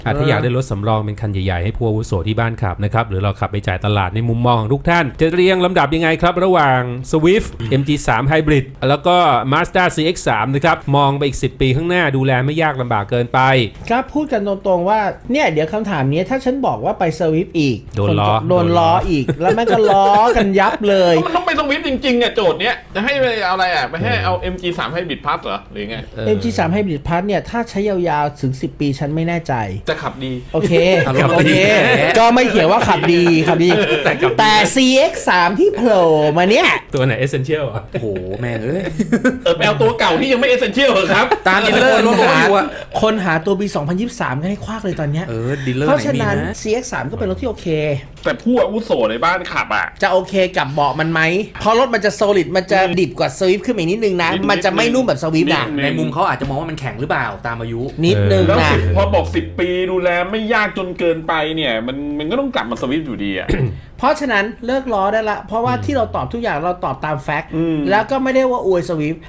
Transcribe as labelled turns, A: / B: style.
A: ถ้าอยากได้รถสำรองเป็นคันใหญ่ๆให้ผู้อาวุโสที่บ้านขับนะครับหรือเราขับไปจ่ายตลาดในมุมมองของทุกท่านจะเรียงลำดับยังไงครับระหว่าง Swift MG3 Hybrid แล้วก็ Mazda CX-3 นะครับมองไปอีก10 ปีข้างหน้าดูแลไม่ยากลำบากเกินไป
B: ครับพูดกันตรงๆว่าเนี่ยเดี๋ยวคำถามนี้ถ้าฉันบอกว่าไปสวิฟอีก
A: โดนล้อ
B: อีกแล้วมันก็ล้อกันยับเลย
C: มันต้องไปสวิฟจริงๆอ่ะโจทย์เนี้ยจะให้ไปเอาอะไรอ่ะไปให้เอา MG3 ให้บิดพัทเหรอหรือไง
B: MG3 Hybrid Plus เนี่ยถ้าใช้ยาวๆถึง10 ปีฉันไม่แน่ใจ
C: จะขับดี
B: โอเคก็ไม่เขียนว่าขับดีแต่ CX3 ที่โผล่มาเนี่ย
A: ตัวไหน Essential อ่ะ
D: โอ้โหแม่ง
C: ไปเอาตัวเก่าที่ยังไม่เอเซนเชียลเหรอครับ
D: ตามดีลเลอร์รถอยู่อ่ะ
B: คนหาตัวปี2023ก็ให้ควักเลยตอนเนี้ย
D: ดีลเลอร์
B: เพราะฉะนั้น CX3 ก็เป็นรถที่โอเค
C: แต่ผู้อาวุโสในบ้านขับอ่ะ
B: จะโอเคกับเบาะมันไหมเพราะรถมันจะ solid มันจะดิบกว่า Swift ขึ้นมาอีกนิดนึงนะมันจะไม่นุ่มแบบ Swift นะ
D: ในมุมเขาอาจจะมองว่ามันแข็งหรือเปล่าตามอายุ
B: นิดนึง
C: แล้ว
B: นะ
C: พอบอก10 ปีดูแลไม่ยากจนเกินไปเนี่ยมันก็ต้องกลับมาสวิฟอยู่ดีอ่ะ
B: เพราะฉะนั้นเลิกล้อได้ละเพราะว่าที่เราตอบทุกอย่างเราตอบตามแฟกต์แล้วก็ไม่ได้ว่าอวยสวิฟ